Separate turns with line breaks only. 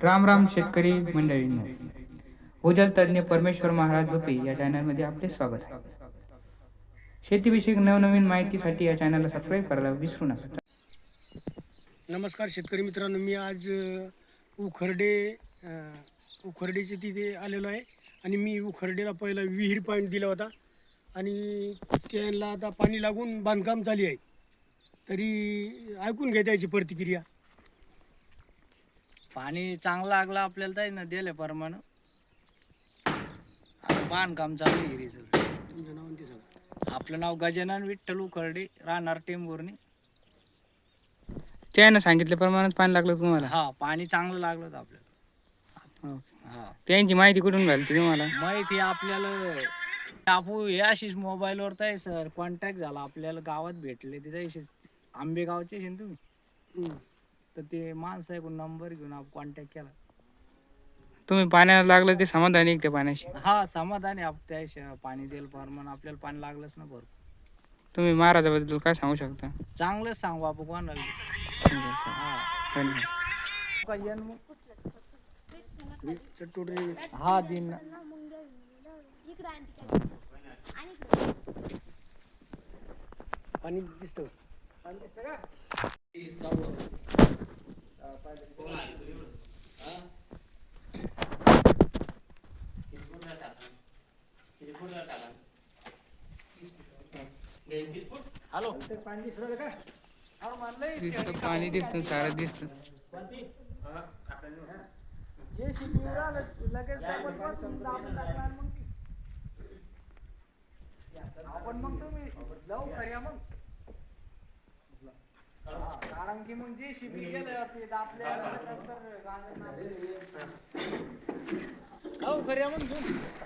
राम राम शेतकरी मंडळींनो, भूजल तज्ञ परमेश्वर महाराज भोपे या चॅनलमध्ये आपले स्वागत आहे. शेतीविषयक नवनवीन माहितीसाठी या चॅनलला सबस्क्राईब करायला विसरू नका.
नमस्कार शेतकरी मित्रांनो, मी आज उखर्डेचे तिथे आलेलो आहे आणि मी उखर्डेला पहिला विहीर पॉईंट दिला होता आणि त्यांना आता पाणी लागून बांधकाम चालू आहे. तरी ऐकून घ्या त्याची प्रतिक्रिया.
पाणी चांगलं लागलं आपल्याला तर ना दिले प्रमाण. आता बांधकाम चालू आहे विहिरीचं.
तुमचं नाव आणि ते सांगा.
आपलं नाव गजानन विठ्ठल उखर्डे, राहणार टेंभुर्णी.
त्यानं सांगितल्याप्रमाणे पाणी लागलं तुम्हाला?
हा, पाणी चांगलं लागलं होतं आपल्याला.
हो.
हा,
त्यांची माहिती कुठून घालते तुम्हाला?
माहिती आपल्याला टापू हे अशीच मोबाईलवर तर सर कॉन्टॅक्ट झाला, आपल्याला गावात भेटले तिथे. आंबेगावचे आहे ना तुम्ही? तर ते माणसं आहे, नंबर घेऊन आपण कॉन्टॅक्ट केला.
तुम्ही पाण्याला लागलं ते समाधानी आहे त्या पाण्याशी?
हा, समाधानी आप त्या पाणी देईल प्रमाण आपल्याला पाणी लागलंच ना भरपूर.
तुम्ही महाराजाबद्दल काय सांगू शकता?
चांगलंच सांगू आपण कोणाला.
धन्यवाद.
हा दिन
पाणी दिसतं.
हॅलो,
पाणी दिसलं का?
दिसतं, पाणी दिसतं, सारं दिसतं.
आपण मग तुम्ही जाऊ खऱ्या मग. कारण की मग जे शिबी गेलं ते आपल्या खऱ्या मग